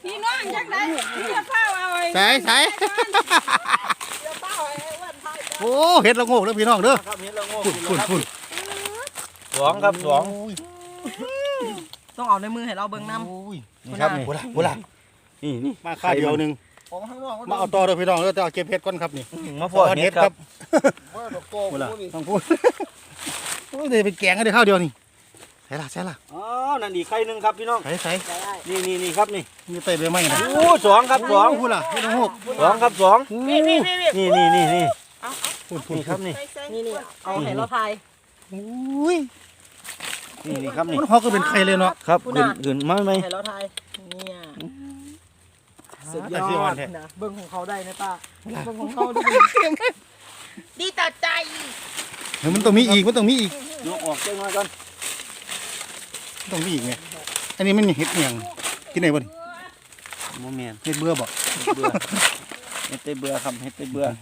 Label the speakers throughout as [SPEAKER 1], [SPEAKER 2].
[SPEAKER 1] พี่น้องจักได้พี่จะเฝ้าเอาไว้
[SPEAKER 2] ใส่โอ้เห็ดละโงกเด้อพี่น้องเด้อ
[SPEAKER 3] ครับเห็ดละโงก
[SPEAKER 2] ฝุ่น
[SPEAKER 3] สองครับสอง
[SPEAKER 1] ต้องเอาในมือให้เราเบิ่งน้ำ
[SPEAKER 3] นี่ครับนี่บุระนี่
[SPEAKER 2] มาค่าเดียวนึงมาเอาต่อเด้อพี่น้องเด้อจะเอาเก็บเห็ดก่อนครับนี่
[SPEAKER 3] มาพอเห็ดครับ
[SPEAKER 2] บุระต้องพูดโอ้ยเดี๋ยวเป็นแกงกันเดี๋ยวข้าวเดียวนี่ใส่ละ
[SPEAKER 3] อ๋อนั่นอีกไข่หนึ่งครับพี่น้อง
[SPEAKER 2] ใส่
[SPEAKER 3] นี่ครับนี่
[SPEAKER 2] เตะไปไหมนะ
[SPEAKER 3] โอ้สองครับสอง
[SPEAKER 2] พูดล่ะเห็ดละโงก
[SPEAKER 3] สองครับสองนี่
[SPEAKER 1] นี่
[SPEAKER 3] ครับนี่
[SPEAKER 1] เอาให้เราทาย
[SPEAKER 3] นี่ครับนี่
[SPEAKER 2] มันหอกก็เป็นไข่เลยเนาะ
[SPEAKER 3] ครับขึ้นมาไหม
[SPEAKER 1] ให้เราทายเนี่ยสุดยอดนะเบิ่งของเขาได้นะป้าเบิ่งของเขาดีต่อใจ
[SPEAKER 2] มันต้องมีอีกยก
[SPEAKER 3] ออกเจ้าน้อยก่อน
[SPEAKER 2] ต้องมีอีกไงอันนี้มันเห็ดเหี่ยงที่ไหนบ่นี่
[SPEAKER 3] โมเมน
[SPEAKER 2] เห็ดเบื่อบ่
[SPEAKER 3] เห็ดเบื่อครับเห็ดเบื่อ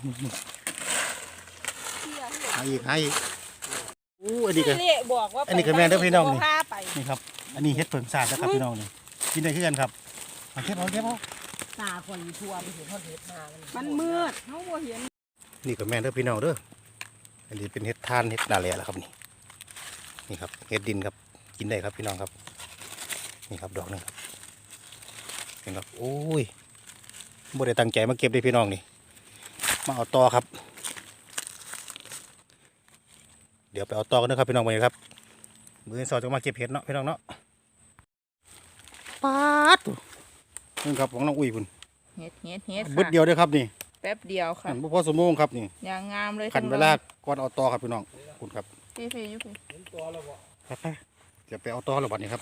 [SPEAKER 2] หายอีกอันนี้ก็
[SPEAKER 1] อันนี้
[SPEAKER 2] ก็แม่เด้อพี่น้องนี่ครับอันนี้เห็ดเผิงสาดนะครับพี่น้องนี่กินได้คือกันครับเอาเก็บ
[SPEAKER 1] ตาคนทั่วไปเห็นเขาเห็ดมามันมืดเขาบ่เห็น
[SPEAKER 2] นี่ก็แม่เด้อพี่น้องเด้ออันนี้เป็นเห็ดทานเห็ดนาแลแล้วครับนี่ครับเห็ดดินครับกินได้ครับพี่น้องครับนี่ครับดอกนึงครับเห็นครับโอ้ยบ่ได้ตั้งใจมาเก็บได้พี่น้องนี่มาเอาต่อครับเดี๋ยวไปเอาต่อกันนะครับพี่น้องไปครับมือสอดจะมาเก็บเห็ดเนาะพี่น้องเนาะป๊าดนี่ครับของน้องอุ้ยพุ่น
[SPEAKER 1] เห็ด
[SPEAKER 2] บึดเดียวด้วยครับนี่
[SPEAKER 1] แป๊บเดียวค่ะ
[SPEAKER 2] บุพอสมงครับนี่
[SPEAKER 1] อย่างงามเลย
[SPEAKER 2] ขันเวลาก่อนเอาต่อครับพี่น้องคุณครับ
[SPEAKER 1] พี่ยุพี่
[SPEAKER 2] ครับจะไปเอาต่อแล้ววันนี้ครับ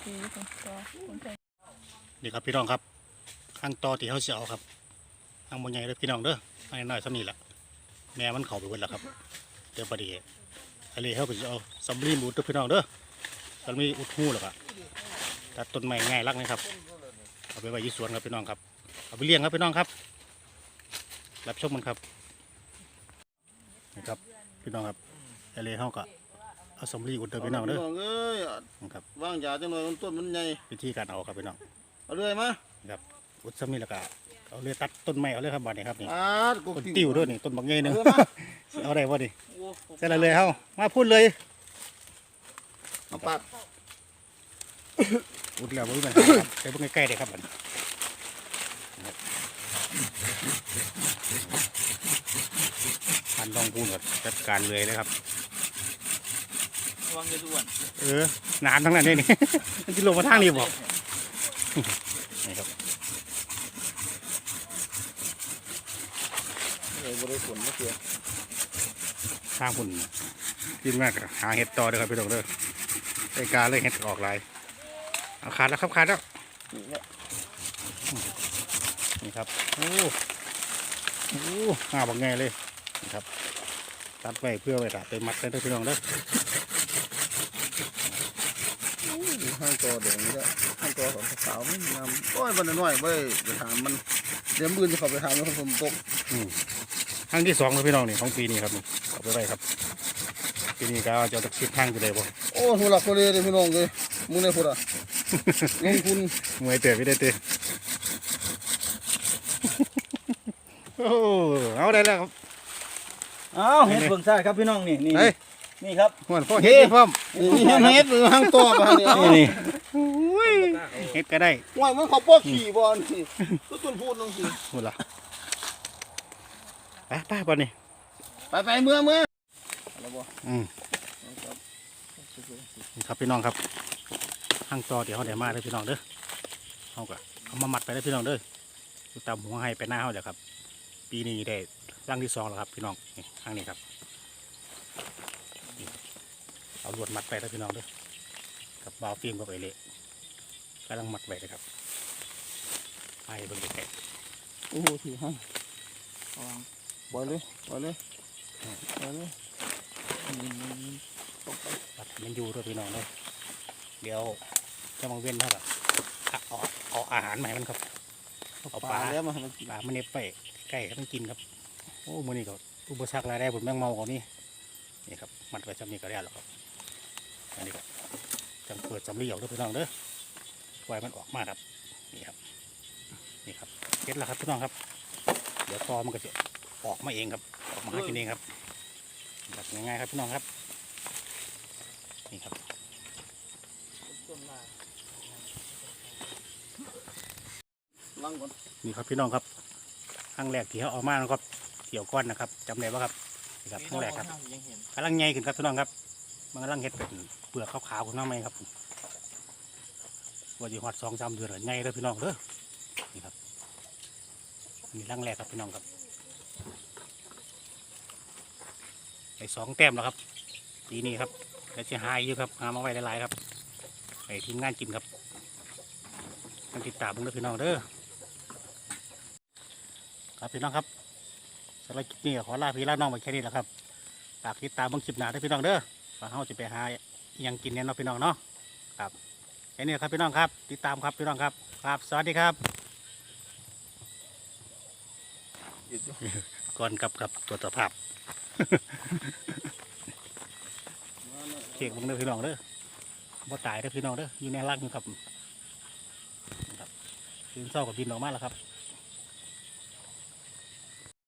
[SPEAKER 2] นี่ครับพี่น้องครับข้างต่อที่เขาเสียเอาครับข้างบนใหญ่เลยพี่น้องเด้อให้น้อยสักนี่แหละแม่มันเข่าไปหมดแล้วครับเดี๋ยวพอดีอะไรเขาก็จะเอาซัมบลีมูดพี่น้องเด้อซัมบลีอุดหูหรอกอะตัดต้นไม้ง่ายรักนะครับเอาไปไว้ยี่สวนครับพี่น้องครับเอาไปเลี้ยงครับพี่น้องครับรับชมมันครับนะครับพี่น้องครับอะไรเขาก็เอาซัมบลีอุดพี่น้องเด้อครับ
[SPEAKER 3] ว่างยาจังเลยต้นมันใหญ่
[SPEAKER 2] วิธีการเอาครับพี่น้อง
[SPEAKER 3] เอาเลยมั้ย
[SPEAKER 2] ครับอุดซัมบลีแล้วก็เอาเลยตัดต้นไม้เอาเลยครับบ้านนี้ครับนี่ต้นติ้วด้วยนี่ต้นบางใหญ่หนึ่งเอาได้บ่ดิเสร็จเลยเขามาพูดเลย
[SPEAKER 3] เอาปัด
[SPEAKER 2] อุดแล้วบ่มีปัญหาครับใช้พวกใกล้ๆได้ครับบัดพันต้องพูดก่อนจัดการเลยนะครับ
[SPEAKER 3] วางเงินด่วน
[SPEAKER 2] นานทั้งนั้นเลยนี่มันจะลงมาทางนี้บอกนี่ครับ
[SPEAKER 3] บริสุทธิ์ไม่เกี่ยว
[SPEAKER 2] ทางคุณกินมากหาเห็ดต่อเลยครับพี่น้องเด้อไอ้กาเลยเห็ดออกลายเอาขาดแล้วครับขาดแล้วนี่ครับโอ้หาบักไงเลยนี่ครับตัดไว้เพื่อไว้ตัดไปมัดเลยพี่น้องเด้อ
[SPEAKER 3] ห้างตัวเดี๋ยวนี้ห้างตัวของสาวไม่นำโอ้ยวันน้อยเว้ยไปถามมันเดี๋ยวมือจะเข้าไปถามแล้วผมตก
[SPEAKER 2] ทางที่2เลยพี่น้องนี่ของปีนี้ครับนี่เอาไปไว้ครับปีนี้ก็จะตัดชิดทางไปเลยบ่
[SPEAKER 3] โอ้หัวหลักคนเลยพี่น้องเลยมึงเนี่ยพูดอ่ะลงทุน
[SPEAKER 2] มวยเตะไม่ได้เตะโอ้เอาได้แล้วครับ
[SPEAKER 3] เอาเห็ดเบิ่งซ่าครับพี่น้องนี่ครับ
[SPEAKER 2] หัวพ่อเห็ดพร้อม
[SPEAKER 3] นี่เห็ดหรือห้างตัวบ้าน
[SPEAKER 2] นี่เห็ดก็ได้
[SPEAKER 3] ว่ามันเขาป้อขี่บอลสิต้นพูดลงสิ
[SPEAKER 2] หมดละไปบอลนี่
[SPEAKER 3] ไปเมื่อนี่
[SPEAKER 2] ครับพี่น้องครับห้างต่อเดี๋ยวเขาเดี๋ยวมาเลยพี่น้องเด้อเขาก็เอามามัดไปเลยพี่น้องเด้อตามหัวให้ไปหน้าเขาเดี๋ยวครับปีนี้ได้ร่างที่2แล้วครับพี่น้องนี่ข้างนี้ครับเอาลวดมัดไปเลยพี่น้องเด้อกับบาวฟิล์มกับไอเล่กำลังมัดไปเลยครับไปบนแก่
[SPEAKER 3] โอ้โหถือให้บอลเลย
[SPEAKER 2] ปัดมันอยู่ด้วยพี่น้องเลยเดี๋ยวจะมาเว้นเท่ากับเอาอาหารใหม่มันครับเอาปลา
[SPEAKER 3] แล้วมา
[SPEAKER 2] ปลามันเน็บไปใกล้ก็ต้องกินครับโอ้มือนี่ก็อุปสรรคอะไรได้ผมแมงเมาก่อนนี่ครับมัดไว้จำนี้ก็ได้แล้วครับอันนี้ครับจังเปิดจำรีออกด้วยพี่น้องเด้อปล่อยมันออกมาครับนี่ครับเก็ดแล้วครับพี่น้องครับเดี๋ยวตอมันก็จะออกมาเองครับออกมาหากินเองครับแบบง่ายๆครับพี่น้องครับนี่ครับ
[SPEAKER 3] ล้างก่อน
[SPEAKER 2] นี่ครับพี่น้องครับครั้งแรกที่เขาเอามานะครับเกี่ยวก้อนนะครับจำได้ป่ะครับนี่ครับครั้งแรกครับกำลังใหญ่ขึ้นครับพี่น้องครับมันกำลังเห็ดเป็นเปลือกขาวๆของน้องไหมครับว่าจะหอด2-3 เดือนใหญ่เลยพี่น้องเด้อนี่ครับนี่ครั้งแรกครับพี่น้องครับไอ้2 แต้มแล้วครับปีนี้ครับแล้วจะหายอยู่ครับหามาไว้หลายๆครับไอ้ทีมงานกินครับต้องติดตามเด้อพี่น้องเด้อครับพี่น้องครับสำหรับคลิปนี้ขอลาพี่ลาน้องไปแค่นี้แหละครับฝากติดตามเบิ่งคลิปหน้าด้วยพี่น้องเด้อว่าเราจะไปหาอิหยังกินเนี่ยเนาะพี่น้องเนาะครับแค่นี้ครับพี่น้องครับติดตามครับพี่น้องครับครับสวัสดีครับ
[SPEAKER 3] อีก
[SPEAKER 2] ก่อนกับตรวจสภาพ เช็คเบิ่งเด้อพี่น้องเด้อบ่ตายเด้อพี่น้องเด้ออยู่ในรักอยู่ครับตื่นเช้ากับบินออกมาแล้วครับ